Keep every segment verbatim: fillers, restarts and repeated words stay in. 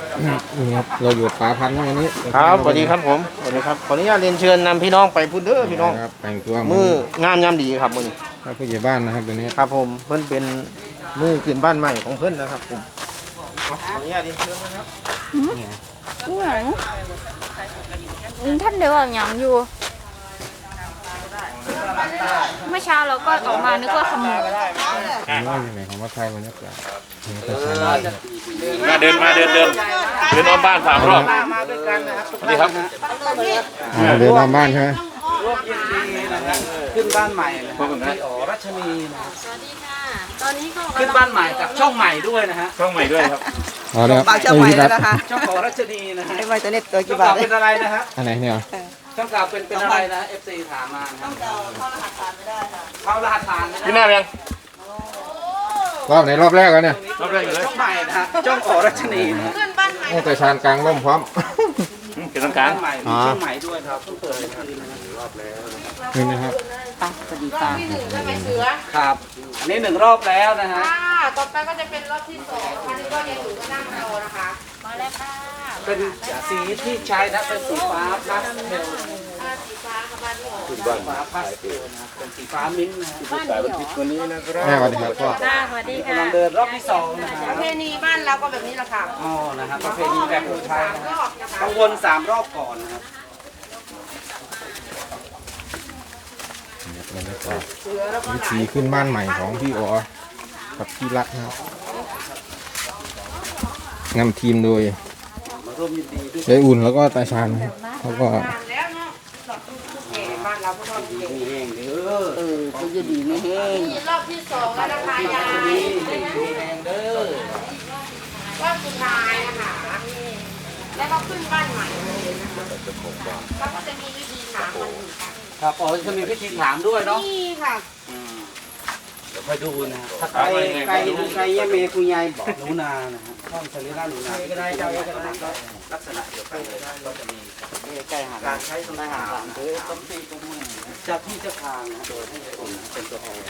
นี่ครับเราอยู่ป่าพันธุ์วันนี้ครับสวัสดีครับผมสวัสดีครับขออนุญาตเรียนเชิญนำพี่น้องไปพูดเด้อพี่น้องครับแต่งตัวมืองามยามดีครับมือนี้ครับผู้ใหญ่บ้านนะครับตัวนี้ครับผมเพิ่นเป็นมือขึ้นบ้านใหม่ของเพิ่นนะครับผมขออนุญาตเรียนเชิญนะครับนี่หยังท่านเดี๋ยวอย่างอยู่เมื่อเช้าเราก็ออกมานึกว่าขโมยผมว่าอย่างไรของวัดไทยบรรยากาศมาเดินมาเดินเดินเดินอ้อมบ้านสามรอบมาด้วยกันนะครับสวัสดีครับเดินตามบ้านใช่ไหมร่วมยินดีนะครับขึ้นบ้านใหม่นะครับพี่อ๋อรัชนีนะสวัสดีค่ะตอนนี้ก็ขึ้นบ้านใหม่กับช่องใหม่ด้วยนะฮะช่องใหม่ด้วยครับอ๋อเนี่ยบางช่องใหม่แล้วนะคะช่องของรัชนีนะฮะไอ้ไวตัวเน็ตตัวกี่บาบาทเป็นอะไรนะฮะอันไหนเนี่ยช่องเก่าเป็นเป็นอะไรนะ เอฟ ซี ถามมาช่องเก่าเข้ารหัสผ่านไม่ได้ค่ะเข้ารหัสผ่านไม่ได้พี่หน้ายังรอบไหนรอบแรกแล้วเนี่ยรอบแรกอยู่เลยช่องใหม่นะฮะช่องของรัชนีนะขึ้นบ้านใหม่โอ้แต่ชานกลางร่มพร้อมเป็นต้องการใหม่มีช่องใหม่ด้วยครับเพิ่งเปิดรอบแล้วนี่นะครับสวัสดีค่ะที่หนึ่งใช่ไหมเสือครับอันนี้หนึ่งรอบแล้วนะฮะต่อไปก็จะเป็นรอบที่สองอันนี้ก็ยังอยู่ก็นั่งรอนะคะมาแล้วค่ะเป็นสีที่ใช้นะเป็นสีฟ้าพาสเทลสีฟ้าค่ะบ้านที่ออกสีฟ้าพาสเทลนะเป็นสีฟ้ามิ้นท์นะบ้านเดียววันนี้นะครับแม่สวัสดีครับพ่อสวัสดีค่ะกำลังเดินรอบที่สองนะคปรับระเพณีบ้านเราก็แบบนี้แหละค่ะอ๋อนะครับประเพณีแบบคนไทยนะต้องวนสามรอบก่อนนะครับบรรยากาศวิธีขึ้นบ้านใหม่ของพี่อ๋อกับพี่รักนะครับนำทีมโดยยายอุ่นแล้วก็ตาชาญนะครับเขาก็บ้านเราก็ต้องดีแห้งเด้อเออเขาจะดีไม่แห้งรอบที่สองแล้วนะคะยายดีแห้งเด้อรอบสุดท้ายนะคะแล้วก็ขึ้นบ้านใหม่เลยนะคะเขาก็จะมีวิธีถามมันครับอ๋อจะมีพิธีถามด้วยเนาะนี่ค่ะเดี๋ยวไปดูนะถ้าไก่ไก่ไก่ยาเมย์คุณยายบอกหนูนานะฮะช่องสลิล่าหนูนาก็ได้เจ้าก็ได้ก็ลักษณะเดียวกันเลยก็จะมีไก่หางการใช้สมัยหางหรือต้มตีตุ้มมือจากที่จะทางนะโดยให้คนเป็นตัวแทน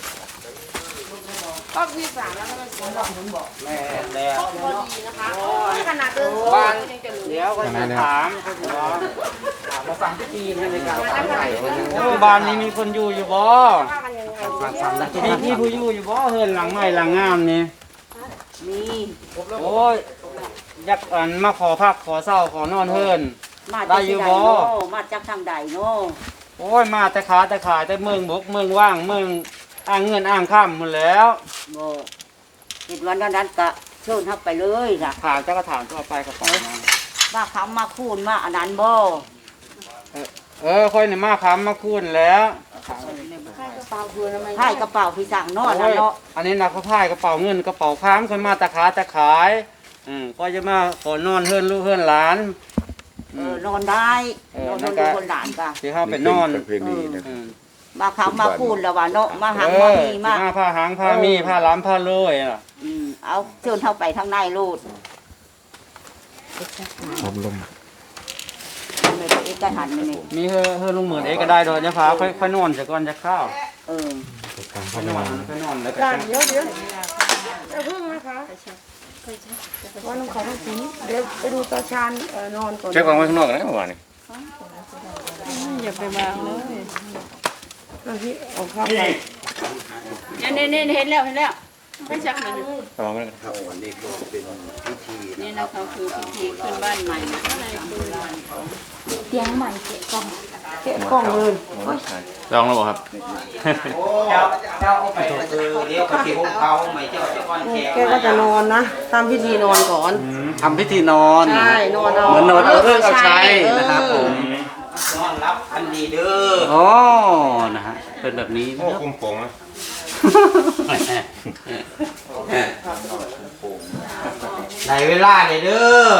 รอบที่สามแล้วก็เป็นสองผมบอกแม่แล้วพอดีนะคะนี่ขนาดเดินบ้านเดี๋ยวก็จะถามเขาจะมาฟังพิธีในการถามไก่บ้านนี้มีคนอยู่อยู่บ่มีที่ผู้อยู่อยู่บ่เฮือนหลังใหม่หลังงามนี่มีโอ้ยอยากอันมาขอพักขอเศร้าขอนอนเฮือนได้อยู่บ่มาจากทางใดเนาะโอ้ยมาแต่ขาแต่ขายแต่เมืองบกเมืองว่างเมืองอ่างเงินอ่างข้ามหมดแล้วโม่ติดวันนั้นก็เชิญทับไปเลยล่ะถามเจ้าก็ถามทั่วไปกับผมว่าเขามาคูนมาอันนั้นบ่เออค่อยเนี่ยมาค้ำมาคูนแล้วไพ่กระเป๋าพี่สั่งนอนแล้วเนาะอันนี้นะเขาพ่ายกระเป๋าเงินกระเป๋าค้ำค่อยมาตะขาตะขายอืมก็จะมาขอนอนเฮือนลูกเฮือนหลานเออนอนได้นอนดูคนหลานก็ที่เขาไปนอนมาเขามาคูนแล้วว่าเนาะมาหางมามีมาผ้าหางผ้ามีผ้าล้ำผ้าโรยอ่ะอืมเอาเชิญเข้าไปทางในรูดอบรมไม่ได้เอกหันไม่ได้มีเฮอเฮอลุงเหมือนเอกก็ได้โดยจะพาค่อยค่อยนอนจะก่อนจะข้าวเออค่อยนอนค่อยนอนแล้วก็เดี๋ยวเดี๋ยวจะพึ่งนะคะว่าน้องเขาต้องกินเดี๋ยวไปดูตาชานนอนก่อนเช็คของไว้ข้างนอกกันนะเมื่อวานนี้อย่าไปวางเลยเราที่ออกข้าวไปเน่เน่เห็นแล้วเห็นแล้วไม่ชักเลยระวังไว้กันครับวันนี้ก็เป็นพิธีนี่นะคะคือพิธีขึ้นบ้านใหม่อะไรโบราณเตียงใหม่เกะกล่องเกะกล่องเลยลองแล้วบอกครับเจ้าเจ้าเอาไปเออเดี๋ยวเขาเก็บเขาใหม่เจ้าจะก่อนแขกแกก็จะนอนนะทำพิธีนอนก่อนทำพิธีนอนใช่นอนเอาเหมือนนอนเอาเรื่องเอาใช้นะครับผมนอนรับอันดีเด้ออ๋อนะฮะเป็นแบบนี้โอ้คุ้มโป่งนะได้เวลาเลยเด้อ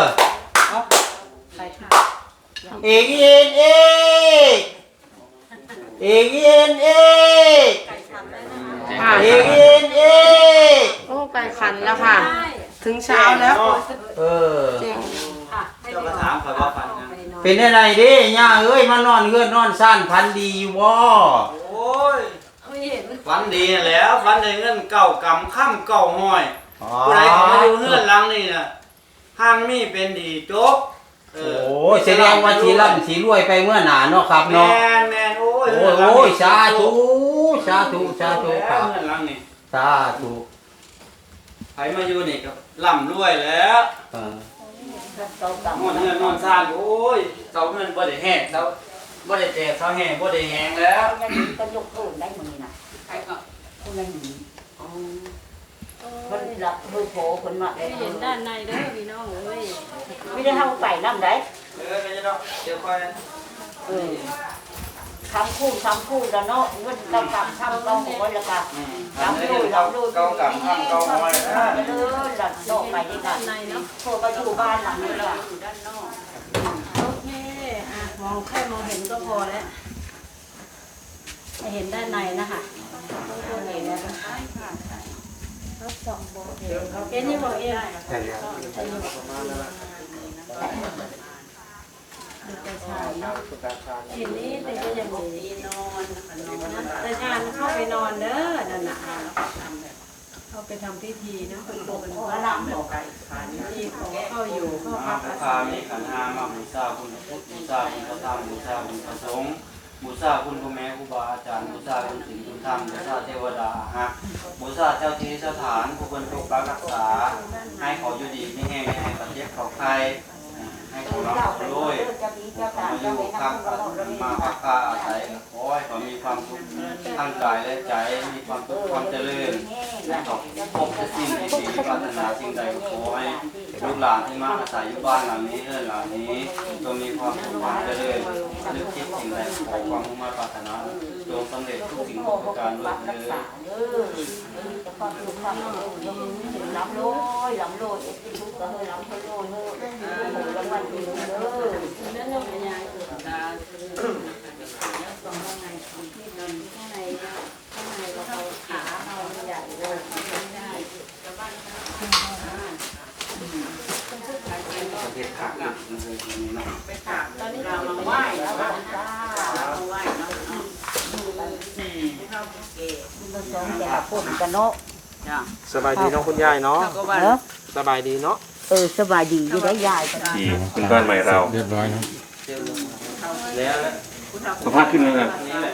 เอกเอ็นเอกเอกเอ็นเอกเอกเอ็นเอกโอ้ไปขันแล้วค่ะถึงเช้าแล้วเออเจ้าก็ถามเขาว่าฝันเป็นอะไรดิย่าเอ้ยมานอนเงื่อนนอนสั้นพันดีอยู่บ่โอ้ยฝันดีแล้วฝันในเงื่อนเก่ากำค่ำเก่าห้อยผู้ใดเขามาอยู่เงื่อนหลังนี่นะห้างนี่เป็นดีโจ๊กเออโอ้ยแสดงว่าสีร่ำสีรวยไปเมื่อหนาเนาะครับแมเนาะนแมนโอ้ยโอ้ยโอ้ยสาธุสาธุสาธุคแล้รัวบเงินหลังนี่สาธุใครมาอยู่นี่ก็ร่ำรวยแล้วเออนอนเงินนอนซ่านโอ้ยเสาเงินบ่ได้แห้งเสาบ่ได้แตกเสาแห้งบ่ได้แห้งแล้วก็ยกโทษได้มือน่ะใครก็คนละหนีคนหลับมือโผล่คนมาไม่เห็นด้านในเด้อพี่น้องเอ้ยไม่ได้เท่าไปน้ำได้เออไม่ใช่ดอกเดี๋ยวค่อยเออทำคู่ทำคู่แล้วเนาะเงินเก่ากับทำเก่าหมดแล้วก็อืมลำทำลูให้กเก่าลำลูกเก่ากำข้างเก่าห้อยนะเออหลับโลกไปด้วยกันโทรมาอยู่บ้านหลังนี้ละอยู่ด้านนอกโอเคอ่ะมองแค่มองเห็นก็พอแล้วไม่เห็นด้านในนะคะเห็นเอ็นนี่บอกเอ็นใช่เห็นนี่แต่ก็ยังมีนอนนะแต่งานเข้าไปนอนเด้อนั่นน่ะเข้าไปทำพิธีนะเป็นโบเป็นพระรำบอกพิธีของเข้าอยู่เข้าพักอาพาศัยมีขันธ์ห้ามาบูชาคุณพุทธบูชาคุณพระธรรมบูชาคุณพระสงฆ์บูชาคุณพ่อแม่ครูบาอาจารย์บูชาคุณศีลคุณธรรมบูชาเทวดาฮะบูชาเจ้าที่สถานผู้คนปกปักรักษาให้เขาอยู่ดีไม่แห้งไม่ให้ประเทศเขาใครให้เขารับเขาด้วยมาอยู่พักมาพักผ้าอาศัยขอให้เขามีความสุขทั้งกายและใจมีความสุขความเจริญให้เขาพบแต่สิ่งดีๆปรารถนาสิ่งใดก็ขอให้ลูกหลานที่มาอาศัยอยู่บ้านหลังนี้เรือนหลังนี้จงมีความสุขความเจริญนึกคิดสิ่งใดขอความมุ่งมั่นปรารถนาจงสำเร็จทุกสิ่งทุกประการด้วยเถิดจะความสุขความเจริญล้ำโลยล้ำโลยเอ็ดทุกข์ก็เฮ้ยล้ำโลยเฮ้ยหมูรางวัลดีเด้อนั่นยังเป็นยังตาแล้วตรงข้างในที่นอนข้างในข้างในเราขาเราใหญ่เลยไม่ได้ประเทศขาดนะนี่นะตอนนี้เรามาไหว้แล้วมาไหว้เนาะมันสองแต่พูดกันเนาะสบายดีเนาะคุณยายเนาะเนาะสบายดีเนาะเออสบายดีอยู่ได้ยายกันที่คุณบ้านใหม่เราเรียบร้อยนะแล้วแล้วสภาพขึ้นเลยครับนี่แหละ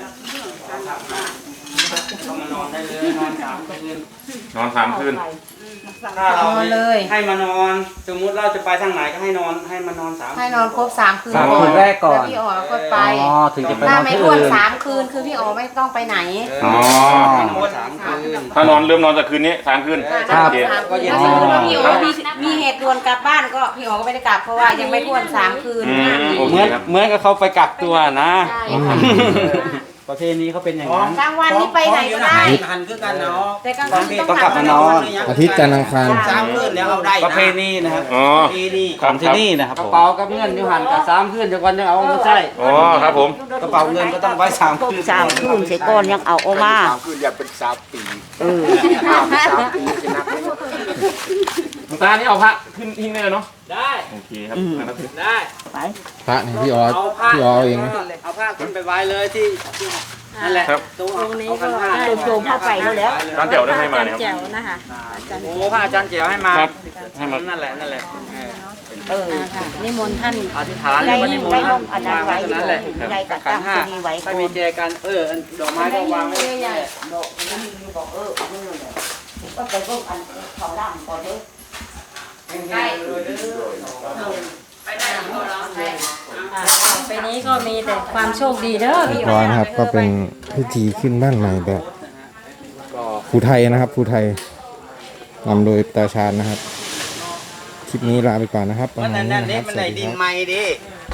ต้องมานอนได้เลยนอนสามคืนนอนสามคืนถ้าเราให้มานอน สมมุติเราจะไปทางไหนก็ให้นอนให้มานอนสามให้นอนครบสามคืนสามคืนแรกก่อนแล้วพี่อ๋อก็ไปอ๋อถึงจะไปนถ้าอนไม่ที่อ้วนอื่นสามคืนคือพี่อ๋อไม่ต้องไปไหนอ๋อให้นอนสามคืนถ้านอนเริ่มนอนจากคืนนี้สามคืนถ้าโอเคสามคืนถ้าสมมติว่าพี่อ๋อมีมีเหตุด่วนกลับบ้านก็พี่อ๋อก็ไม่ได้กลับเพราะว่ายังไม่ท้วนสามคืนอืมโอเหเคมือนครับเหมือนกับเขาไปกักตัวนะใช่ค่ะประเพณีเขาเป็นอย่างนั้นกลางวันนี่ไปไหนก็ได้หันคือกันเนาะแต่กลางคืนต้องกลับมานอนอาทิตย์จันทร์อังคารสามคืนแล้วเอาได้ประเพณีนะครับอ๋อประเพณีของที่นี่นะครับกระเป๋ากับเงินอยู่หันกับสามคืนเดี๋ยวก่อนจะเอาไม่ใช่อ๋อครับผมกระเป๋าเงินก็ต้องไว้สามครบคืนสามคืนเสร็จก่อนยังเอาออกมาคืออย่าเป็นสามปีเออสามปีจะนับหลวงตานี่เอาพระขึ้นทิ้งได้เลยเนาะได้โอเคครับนะครับได้ไปพระนี่พี่ออสเอาผ้าพี่ออสเองนะเอาผ้าขึ้นไปไว้เลยที่นั่นแหละครับตรงตรงนี้เอาก็กันผ้าได้โจมเข้าไปแล้วแล้วร้านแจ๋วได้ให้มาเนี่ยคแจ๋รับวนะคะอาจารย์โอ้ผ้าอาจารย์เจียวให้มาครับให้มานั่นแหละนั่นแหละเออเอออ่าค่ะนิมนต์ท่านอธิษฐานได้วันนี้ได้ลงอันนั้นไว้อยู่นั่นแหละได้กับขัตั้นงห้าที่นี่ไว้ถ้าก่อมีนแจกันเอออันดอกไม้ก็วางไว้ใหญ่ดอกนี่บอกเออนี่เลยก็ไปพวกอันเขาล่างก่อนเด้อใช่อ่าไปนี้ก็มีแต่ความโชคดีเด้อเรีพี่ยบร้อยนะครับ ก็เป็นพิธีขึ้นบ้านใหม่แบบภูไทยนะครับภูไทยนำโดยตาชาญนะครับ คลิปนี้ลาไปก่อนนะครับประมันมาณนั่นี้นนะนี่ครับมันสไหนวัสดีดิคน รับไม้ดิ